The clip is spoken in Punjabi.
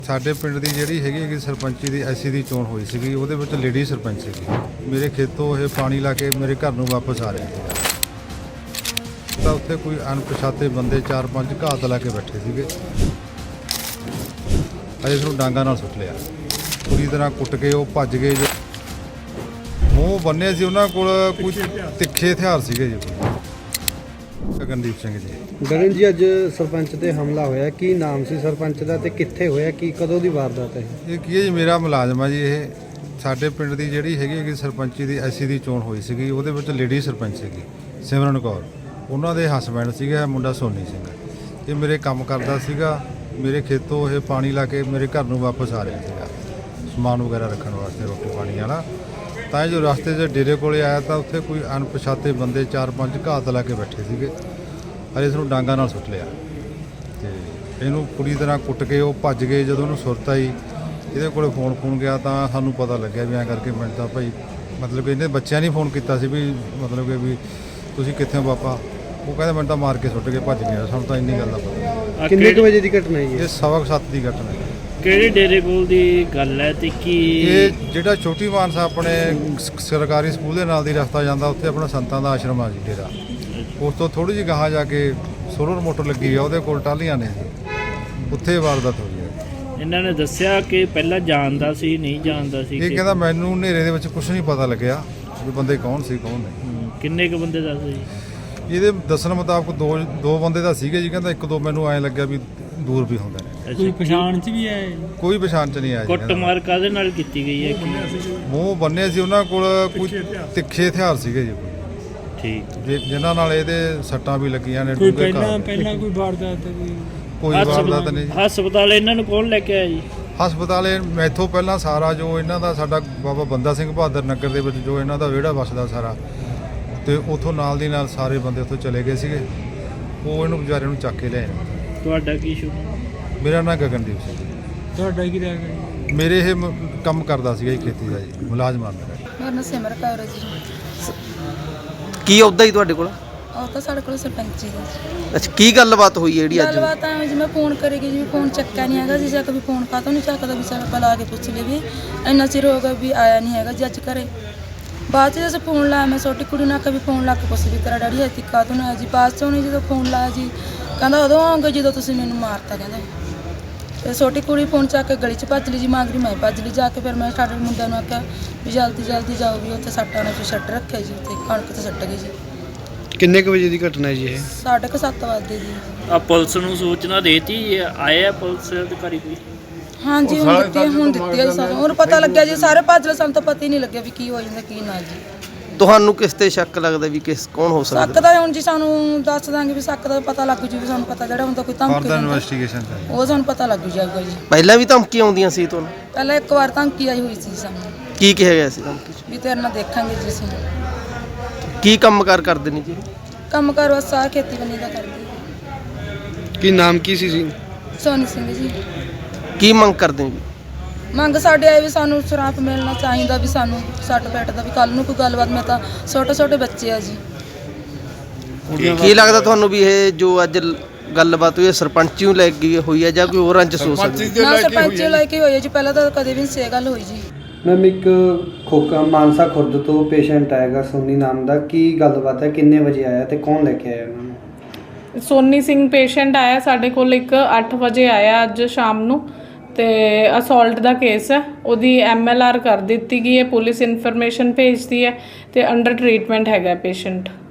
ਸਾਡੇ ਪਿੰਡ ਦੀ ਜਿਹੜੀ ਹੈਗੀ ਸਰਪੰਚੀ ਦੀ ਐਸੀ ਦੀ ਚੋਣ ਹੋਈ ਸੀਗੀ, ਉਹਦੇ ਵਿੱਚ ਲੇਡੀ ਸਰਪੰਚ ਸੀਗੀ। ਮੇਰੇ ਖੇਤੋਂ ਇਹ ਪਾਣੀ ਲਾ ਕੇ ਮੇਰੇ ਘਰ ਨੂੰ ਵਾਪਸ ਆ ਰਹੇ ਸੀ ਤਾਂ ਉੱਥੇ ਕੋਈ ਅਣਪਛਾਤੇ ਬੰਦੇ 4-5 ਘਾਤ ਲਾ ਕੇ ਬੈਠੇ ਸੀਗੇ। ਅਜੇ ਸਾਨੂੰ ਡਾਂਗਾ ਨਾਲ ਸੁੱਟ ਲਿਆ, ਪੂਰੀ ਤਰ੍ਹਾਂ ਕੁੱਟ ਕੇ ਉਹ ਭੱਜ ਗਏ। ਜੋ ਮੂੰਹ ਬੰਨੇ ਸੀ ਉਹਨਾਂ ਕੋਲ ਕੁਝ ਤਿੱਖੇ ਹਥਿਆਰ ਸੀਗੇ ਜੀ। ਗਗਨਦੀਪ ਸਿੰਘ ਜੀ। ਗਗਨ ਜੀ, ਅੱਜ ਸਰਪੰਚ ਤੇ ਹਮਲਾ ਹੋਇਆ, ਕੀ ਨਾਮ ਸੀ ਸਰਪੰਚ ਦਾ ਤੇ ਕਿੱਥੇ ਹੋਇਆ, ਕੀ ਕਦੋਂ ਦੀ ਵਾਰਦਾਤ ਹੈ? ਇਹ ਕੀ ਹੈ ਜੀ, ਮੇਰਾ ਮੁਲਾਜ਼ਮ ਆ ਜੀ। ਇਹ ਸਾਡੇ ਪਿੰਡ ਦੀ ਜਿਹੜੀ ਹੈਗੀ ਸਰਪੰਚੀ ਦੀ ਐਸੀ ਦੀ ਚੋਣ ਹੋਈ ਸੀਗੀ, ਉਹਦੇ ਵਿੱਚ ਲੇਡੀ ਸਰਪੰਚ ਸੀਗੀ ਸਿਮਰਨ ਕੌਰ। ਉਹਨਾਂ ਦੇ ਹਸਬੈਂਡ ਸੀਗਾ ਮੁੰਡਾ ਸੋਨੀ ਸਿੰਘ। ਇਹ ਮੇਰੇ ਕੰਮ ਕਰਦਾ ਸੀਗਾ। ਮੇਰੇ ਖੇਤੋਂ ਇਹ ਪਾਣੀ ਲਾ ਕੇ ਮੇਰੇ ਘਰ ਨੂੰ ਵਾਪਸ ਆ ਰਿਹਾ ਸੀਗਾ, ਸਮਾਨ ਵਗੈਰਾ ਰੱਖਣ ਵਾਸਤੇ, ਰੋਟੀ ਪਾਣੀ ਵਾਲਾ। ਤਾਂ ਜੋ ਰਸਤੇ 'ਚ ਡੇਰੇ ਕੋਲੇ ਆਇਆ ਤਾਂ ਉੱਥੇ ਕੋਈ ਅਣਪਛਾਤੇ ਬੰਦੇ 4-5 ਘਾਤ ਲਾ ਕੇ ਬੈਠੇ ਸੀਗੇ। ਅਜੇ ਸਾਨੂੰ ਡਾਂਗਾ ਨਾਲ ਸੁੱਟ ਲਿਆ ਤੇ ਇਹਨੂੰ ਪੂਰੀ ਤਰ੍ਹਾਂ ਕੁੱਟ ਕੇ ਉਹ ਭੱਜ ਗਏ। ਜਦੋਂ ਉਹਨੂੰ ਸੁਰਤ ਆਈ, ਇਹਦੇ ਕੋਲੇ ਫੋਨ ਗਿਆ ਤਾਂ ਸਾਨੂੰ ਪਤਾ ਲੱਗਿਆ ਵੀ ਐਂ ਕਰਕੇ ਮੈਂ ਤਾਂ ਭਾਈ ਮਤਲਬ ਕਿ ਇਹਨੇ ਬੱਚਿਆਂ ਨੇ ਫੋਨ ਕੀਤਾ ਸੀ ਵੀ ਮਤਲਬ ਕਿ ਵੀ ਤੁਸੀਂ ਕਿੱਥੇ ਹੋ ਪਾਪਾ। ਉਹ ਕਹਿੰਦੇ ਮੈਨੂੰ ਤਾਂ ਮਾਰ ਕੇ ਸੁੱਟ ਕੇ ਭੱਜ ਗਿਆ। ਸਾਨੂੰ ਤਾਂ ਇੰਨੀ ਗੱਲ ਦਾ ਪਤਾ। ਕਿੰਨੇ ਕੁ ਵਜੇ ਦੀ ਘਟਨਾ ਹੈ ਇਹ 7:15 ਦੀ ਘਟਨਾ ਹੈ। ਕਿਹੜੇ ਡੇਰੇ ਕੋਲ ਦੀ ਗੱਲ ਹੈ ਤੇ ਕੀ ਇਹ ਜਿਹੜਾ ਛੋਟੀ ਮਾਨਸਾ ਆਪਣੇ ਸਰਕਾਰੀ ਸਕੂਲ ਦੇ ਨਾਲ ਦੀ ਰਸਤਾ ਜਾਂਦਾ, ਉੱਥੇ ਆਪਣਾ ਸੰਤਾਂ ਦਾ ਆਸ਼ਰਮ ਆ ਜੀ ਡੇਰਾ। ਉਸ ਤੋਂ ਥੋੜੀ ਜਿਹੀ ਗਾਹਾਂ ਜਾ ਕੇ ਸੋਲਰ ਮੋਟਰ ਲੱਗੀ ਆ, ਉਹਦੇ ਕੋਲ ਟਾਹਲੀਆਂ ਨੇ ਜੀ, ਉੱਥੇ ਵਾਰਦਾਤ ਹੋਈ ਹੈ। ਇਹਨਾਂ ਨੇ ਦੱਸਿਆ ਕਿ ਪਹਿਲਾਂ ਜਾਣਦਾ ਸੀ ਨਹੀਂ ਜਾਣਦਾ ਸੀ? ਇਹ ਕਹਿੰਦਾ ਮੈਨੂੰ ਹਨੇਰੇ ਦੇ ਵਿੱਚ ਕੁਝ ਨਹੀਂ ਪਤਾ ਲੱਗਿਆ ਵੀ ਬੰਦੇ ਕੌਣ ਸੀ ਕੌਣ ਨਹੀਂ। ਕਿੰਨੇ ਕੁ ਬੰਦੇ ਦੱਸਦੇ ਜੀ? ਇਹਦੇ ਦੱਸਣ ਮੁਤਾਬਕ ਦੋ ਬੰਦੇ ਤਾਂ ਸੀਗੇ ਜੀ। ਕਹਿੰਦਾ ਇੱਕ ਦੋ ਮੈਨੂੰ ਐਂ ਲੱਗਿਆ ਵੀ ਦੂਰ ਵੀ ਹੁੰਦੇ ਨੇ। ਕੋਈ ਪਛਾਣ ਚ ਵੀ ਹੈ? ਕੋਈ ਪਛਾਣ ਚ ਨਹੀਂ ਆਇਆ ਜੀ। ਕੁੱਟਮਾਰ ਕਾਹਦੇ ਨਾਲ ਕੀਤੀ ਗਈ ਹੈ? ਮੂੰਹ ਬੰਨੇ ਸੀ ਉਹਨਾਂ ਕੋਲ ਕੁਝ ਤਿੱਖੇ ਹਥਿਆਰ ਸੀਗੇ ਜੀ। ਠੀਕ, ਜਿਨ੍ਹਾਂ ਨਾਲ ਇਹਦੇ ਸੱਟਾਂ ਵੀ ਲੱਗੀਆਂ ਨੇ। ਕੋਈ ਪਹਿਲਾਂ ਕੋਈ ਵਾਰਦਾਤ ਕੋਈ ਵਾਰਦਾਤ ਨਹੀਂ ਜੀ। ਹਸਪਤਾਲ ਇਹਨਾਂ ਨੂੰ ਕੌਣ ਲੈ ਕੇ ਆਇਆ ਜੀ? ਹਸਪਤਾਲ ਮੈਥੋਂ ਪਹਿਲਾਂ ਸਾਰਾ ਜੋ ਇਹਨਾਂ ਦਾ ਸਾਡਾ ਬਾਬਾ ਬੰਦਾ ਸਿੰਘ ਬਹਾਦਰ ਨਗਰ ਦੇ ਵਿੱਚ ਜੋ ਇਹਨਾਂ ਦਾ ਵਿਹੜਾ ਵਸਦਾ ਸਾਰਾ, ਤੇ ਉੱਥੋਂ ਨਾਲ ਦੀ ਨਾਲ ਸਾਰੇ ਬੰਦੇ ਉੱਥੋਂ ਚਲੇ ਗਏ ਸੀਗੇ। ਉਹ ਇਹਨੂੰ ਵਿਚਾਰੇ ਨੂੰ ਚੱਕ ਕੇ ਲਿਆਏ। ਤੁਹਾਡਾ ਕੀ ਸ਼ੁਭ? ਮੇਰਾ ਨਾਂ ਗਗਨਦੀਪ ਸਿੰਘ। ਤੁਹਾਡਾ ਕੀ ਰਹਿ ਗਿਆ? ਮੇਰੇ ਇਹ ਕੰਮ ਕਰਦਾ ਸੀਗਾ ਜੀ, ਖੇਤੀ ਦਾ ਜੀ, ਮੁਲਾਜ਼ਮ ਆ ਮੇਰਾ ਨਾਮ ਸਿਮਰ ਕੌਰ ਹੈ ਜੀ। ਕੀ ਆਉਂਦਾ ਜੀ ਤੁਹਾਡੇ ਕੋਲ? ਉਹ ਤਾਂ ਸਾਡੇ ਕੋਲ ਸਰਪੰਚੀ ਦਾ। ਅੱਛਾ, ਕੀ ਗੱਲਬਾਤ ਹੋਈ ਹੈ ਜਿਹੜੀ ਅੱਜ? ਗੱਲਬਾਤ ਐ ਜੀ, ਮੈਂ ਫੋਨ ਕਰੇਗੀ ਜੀ, ਫੋਨ ਚੱਕਿਆ ਨਹੀਂ ਹੈਗਾ ਜੀ। ਜਾ ਕੇ ਵੀ ਫੋਨ ਕਾਹਤੋਂ ਨਹੀਂ ਚੱਕਦਾ ਵੀ ਸਾਡਾ ਪਲਾ ਕੇ ਪੁੱਛ ਲਈ ਵੀ ਇੰਨਾ ਚਿਰ ਹੋ ਗਿਆ ਵੀ ਆਇਆ ਨਹੀਂ ਹੈਗਾ ਜੀ ਅੱਜ ਘਰੇ। ਬਾਅਦ 'ਚ ਜਦੋਂ ਫੋਨ ਲਾਇਆ, ਮੈਂ ਛੋਟੀ ਕੁੜੀ ਨੂੰ ਆਖਿਆ ਵੀ ਫੋਨ ਲਾ ਕੇ ਪੁੱਛ ਵੀ ਤੇਰਾ ਡੈਡੀ ਇੱਥੇ ਕਾਹਤੋਂ ਨਹੀਂ ਆਇਆ ਜੀ। ਬਾਅਦ 'ਚ ਉਹਨੇ ਜਦੋਂ ਫੋਨ ਲਾਇਆ ਜੀ, ਕਹਿੰਦਾ ਉਦੋਂ ਆਉਂਗੇ ਜਦੋਂ ਤੁਸੀਂ ਮੈਨੂੰ ਮਾਰਤਾ ਕਹਿੰਦਾ। ਤੇ ਛੋਟੀ ਕੁੜੀ ਫੋਨ ਚੱਕ ਕੇ ਗਲੀ 'ਚ ਭੱਜ ਲਈ ਜੀ, ਮਾਂਗਰੀ ਮੈਂ ਭੱਜ ਲਈ ਜਾ ਕੇ। ਫਿਰ ਮੈਂ ਸਾਡੇ ਮੁੰਡਿਆਂ ਨੂੰ ਆਖਿਆ ਵੀ ਜਲਦੀ ਜਾਓ ਵੀ ਉੱਥੇ ਸੱਟਾਂ ਨੇ ਛੱਟ ਰੱਖਿਆ ਜੀ, ਉੱਥੇ ਕਣਕ 'ਤੇ ਸੱਟ ਗਈ ਜੀ। ਕਿੰਨੇ ਕੁ ਵਜੇ ਦੀ ਘਟਨਾ ਹੈ ਜੀ ਇਹ? 7:30 ਵਜੇ ਜੀ। ਆ ਪੁਲਿਸ ਨੂੰ ਸੂਚਨਾ ਦੇਤੀ? ਆਏ ਆ ਪੁਲਿਸ ਅਧਿਕਾਰੀ ਕੋਈ? ਹਾਂਜੀ ਹੁਣ ਦਿੱਤੀ ਹੈ ਜੀ ਸਾਨੂੰ। ਹੁਣ ਪਤਾ ਲੱਗਿਆ ਜੀ, ਸਾਰੇ ਭੱਜ ਲਏ, ਸਾਨੂੰ ਤਾਂ ਪਤਾ ਹੀ ਨਹੀਂ ਲੱਗਿਆ ਵੀ ਕੀ ਹੋ ਜਾਂਦਾ ਕੀ ਨਾ ਜੀ। ਤੁਹਾਨੂੰ ਕਿਸ ਤੇ ਸ਼ੱਕ ਲੱਗਦਾ ਵੀ ਕੌਣ ਹੋ ਸਕਦਾ? ਸ਼ੱਕ ਦਾ ਹੁਣ ਜੀ ਸਾਨੂੰ ਦੱਸ ਦਾਂਗੇ ਵੀ ਸ਼ੱਕ ਦਾ ਪਤਾ ਲੱਗ ਜੂ ਵੀ ਸਾਨੂੰ ਪਤਾ ਜਿਹੜਾ ਹੁੰਦਾ ਕੋਈ ਧਮਕੀ ਫਰਦਰ ਇਨਵੈਸਟੀਗੇਸ਼ਨ ਉਹ ਸਾਨੂੰ ਪਤਾ ਲੱਗ ਜਾਊਗਾ ਜੀ। ਪਹਿਲਾਂ ਵੀ ਧਮਕੀ ਆਉਂਦੀਆਂ ਸੀ ਤੁਹਾਨੂੰ? ਪਹਿਲਾਂ ਇੱਕ ਵਾਰ ਧਮਕੀ ਆਈ ਹੋਈ ਸੀ ਸਾਨੂੰ, ਕੀ ਕਿਹਾ ਗਿਆ ਸੀ ਧਮਕੀ 'ਚ? ਵੀ ਤੇਰੇ ਨਾਲ ਦੇਖਾਂਗੇ ਜੀ ਅਸੀਂ। ਕੀ ਕੰਮਕਾਰ ਕਰਦੇ ਨੇ ਜੀ? ਕੰਮ ਕਾਰ ਬਸ ਆ ਖੇਤੀਬਾੜੀ ਦਾ ਕਰਦੇ। ਕੀ ਨਾਮ ਕੀ ਸੀ ਜੀ? ਸੋਨੀ ਸਿੰਘ ਜੀ। ਕੀ ਮੰਗ ਕਰਦੇ ਨੇ ਜੀ? ਮੰਗ ਸਾਡੇ ਆਏ ਵੀ ਸਾਨੂੰ ਸ਼ਰਾਪ ਮਿਲਣਾ ਚਾਹੀਦਾ, ਵੀ ਸਾਨੂੰ ਸੱਟ ਫੇਟ ਦਾ ਵੀ ਕੱਲ ਨੂੰ ਕੋਈ ਗੱਲਬਾਤ। ਮੈਂ ਤਾਂ ਛੋਟੇ ਬੱਚੇ ਆ ਜੀ। ਕੀ ਲੱਗਦਾ ਤੁਹਾਨੂੰ ਵੀ ਇਹ ਜੋ ਅੱਜ ਗੱਲਬਾਤ ਹੋਈ ਹੈ ਸਰਪੰਚ ਨੂੰ ਲੈ ਕੇ ਹੋਈ ਹੈ ਜਾਂ ਕੋਈ ਹੋਰ ਰੰਜਿਸ਼ ਹੋ ਸਕਦੀ? ਨਾ ਸਰਪੰਚ ਲੈ ਕੇ ਹੋਈ ਹੈ ਜੀ, ਪਹਿਲਾਂ ਤਾਂ ਕਦੇ ਵੀ ਸੇ ਗੱਲ ਹੋਈ ਜੀ। ਮੈਮ, ਇੱਕ ਖੋਕਾ ਮਾਨਸਾ ਖੁਰਦ ਤੋਂ ਪੇਸ਼ੈਂਟ ਆਏਗਾ ਸੋਨੀ ਨਾਮ ਦਾ, ਕੀ ਗੱਲਬਾਤ ਹੈ, ਕਿੰਨੇ ਵਜੇ ਆਇਆ ਤੇ ਕੌਣ ਲੈ ਕੇ ਆਇਆ ਉਹਨਾਂ ਨੂੰ? ਸੋਨੀ ਸਿੰਘ ਪੇਸ਼ੈਂਟ ਆਇਆ ਸਾਡੇ ਕੋਲ, ਇੱਕ 8 ਵਜੇ ਆਇਆ ਅੱਜ ਸ਼ਾਮ ਨੂੰ, ਤੇ ਅਸੌਲਟ ਦਾ ਕੇਸ ਹੈ। ਉਹਦੀ MLR ਕਰ ਦਿੱਤੀ ਗਈ ਹੈ, ਪੁਲਿਸ ਇਨਫੋਰਮੇਸ਼ਨ ਭੇਜਦੀ ਹੈ ਤੇ ਅੰਡਰ ਟ੍ਰੀਟਮੈਂਟ ਹੈਗਾ ਪੇਸ਼ੈਂਟ।